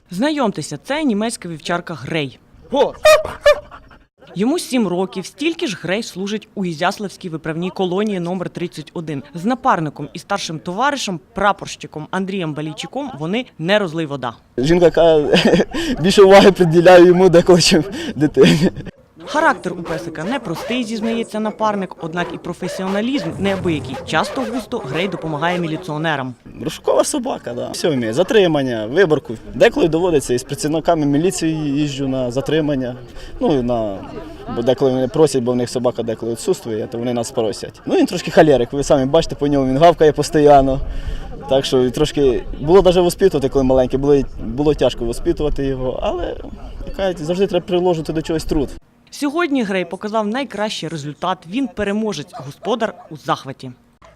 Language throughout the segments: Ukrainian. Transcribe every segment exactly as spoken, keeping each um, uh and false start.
Знайомтеся, це німецька вівчарка Грей. Йому сім років, стільки ж Грей служить у Ізяславській виправній колонії номер тридцять один. З напарником і старшим товаришем, прапорщиком Андрієм Балійчуком вони не розлий вода. Жінка каже, більше уваги приділяю йому деколи, чим дитині. Характер у песика непростий, зізнається напарник, однак і професіоналізм неабиякий. Часто густо Грей допомагає міліціонерам. Розшукова собака, да. Все вміє. Затримання, виборку. Деколи доводиться із працівниками міліції їжджу на затримання. Ну, на... Бо деколи вони просять, бо в них собака деколи відсутствує, то вони нас просять. Ну, він трошки холерик, ви самі бачите по ньому, він гавкає постійно. Так що трошки було навіть воспитувати, коли маленький, було, було тяжко воспитувати його, але кажуть, завжди треба приложити до чогось труд. Сьогодні Грей показав найкращий результат. Він переможець, господар у захваті.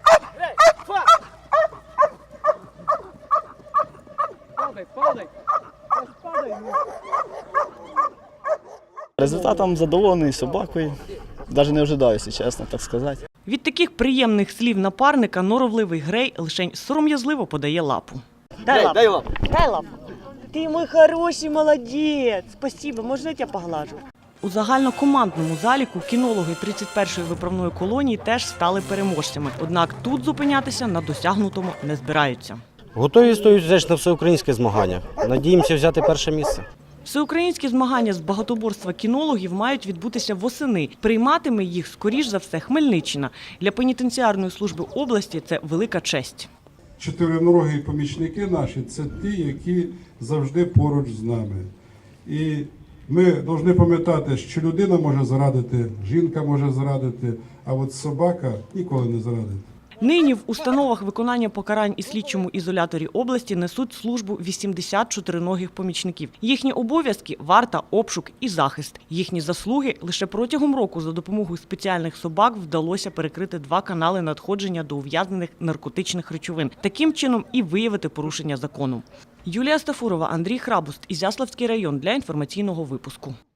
Результатом задоволений собакою. Навіть не ожидаю, якщо чесно, так сказати. Від таких приємних слів напарника норовливий Грей лишень сором'язливо подає лапу. Дай лапу. Дай лапу. Дай лапу. Ти мій хороший молодець. Спасибо, можна я тебе поглажу? У загальнокомандному заліку кінологи тридцять першої виправної колонії теж стали переможцями. Однак тут зупинятися на досягнутому не збираються. Готові стоять теж на всеукраїнське змагання. Надіємося взяти перше місце. Всеукраїнські змагання з багатоборства кінологів мають відбутися восени. Прийматиме їх, скоріш за все, Хмельниччина. Для пенітенціарної служби області це велика честь. Чотириногі помічники наші – це ті, які завжди поруч з нами. І ми повинні пам'ятати, що людина може зрадити, жінка може зрадити, а от собака ніколи не зрадить. Нині в установах виконання покарань і слідчому ізоляторі області несуть службу вісімдесят чотириногих помічників. Їхні обов'язки – варта, обшук і захист. Їхні заслуги – лише протягом року за допомогою спеціальних собак вдалося перекрити два канали надходження до ув'язнених наркотичних речовин. Таким чином і виявити порушення закону. Юлія Стафурова, Андрій Храбуст, Ізяславський район для інформаційного випуску.